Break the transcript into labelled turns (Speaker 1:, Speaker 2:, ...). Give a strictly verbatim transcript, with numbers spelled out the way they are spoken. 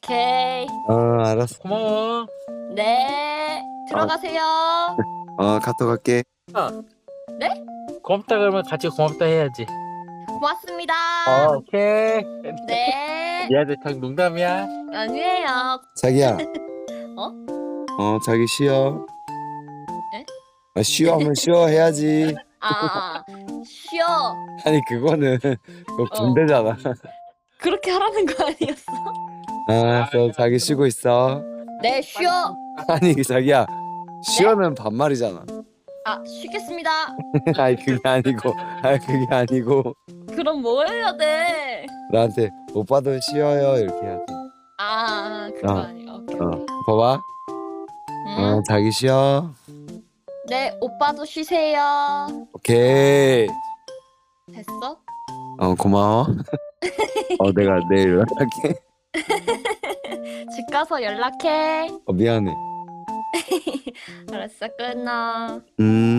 Speaker 1: 오케이.
Speaker 2: 어, 알았어.
Speaker 3: 고마워.
Speaker 1: 네. 들어가세요.
Speaker 2: 어, 카톡 할게.
Speaker 1: 네?
Speaker 3: 고맙다 그러면 같이 고맙다 해야지.
Speaker 1: 고맙습니다.
Speaker 3: 어, 오케이.
Speaker 1: 네.
Speaker 3: 미안해, 장 농담이야.
Speaker 1: 아니에요.
Speaker 2: 자기야.
Speaker 1: 어?
Speaker 2: 어, 자기 쉬어.
Speaker 1: 에?
Speaker 2: 아, 쉬어 하면 쉬어 해야지.
Speaker 1: 아, 아, 아. 쉬어.
Speaker 2: 아니, 그거는 그거
Speaker 1: 어.
Speaker 2: 군대잖아.
Speaker 1: 그렇게 하라는 거 아니었어?
Speaker 2: 알았어, 자기 쉬고 있어.
Speaker 1: 네, 쉬어.
Speaker 2: 아니, 자기야. 쉬어는 반말이잖아.
Speaker 1: 아, 쉬겠습니다.
Speaker 2: 아니, 그게 아니고. 아니, 그게 아니고.
Speaker 1: 그럼 뭐 해야 돼?
Speaker 2: 나한테 오빠도 쉬어요. 이렇게 해야지.
Speaker 1: 아, 그거
Speaker 2: 어.
Speaker 1: 아니야. 오케이,
Speaker 2: 어,
Speaker 1: 오케이.
Speaker 2: 봐봐.
Speaker 1: 응?
Speaker 2: 어, 자기 쉬어.
Speaker 1: 네, 오빠도 쉬세요.
Speaker 2: 오케이.
Speaker 1: 됐어?
Speaker 2: 어, 고마워. 어, 내가 내일 연락할게.
Speaker 1: 집 가서 연락해.
Speaker 2: 어, 미안해.
Speaker 1: 알았어, 끊어.
Speaker 2: 음.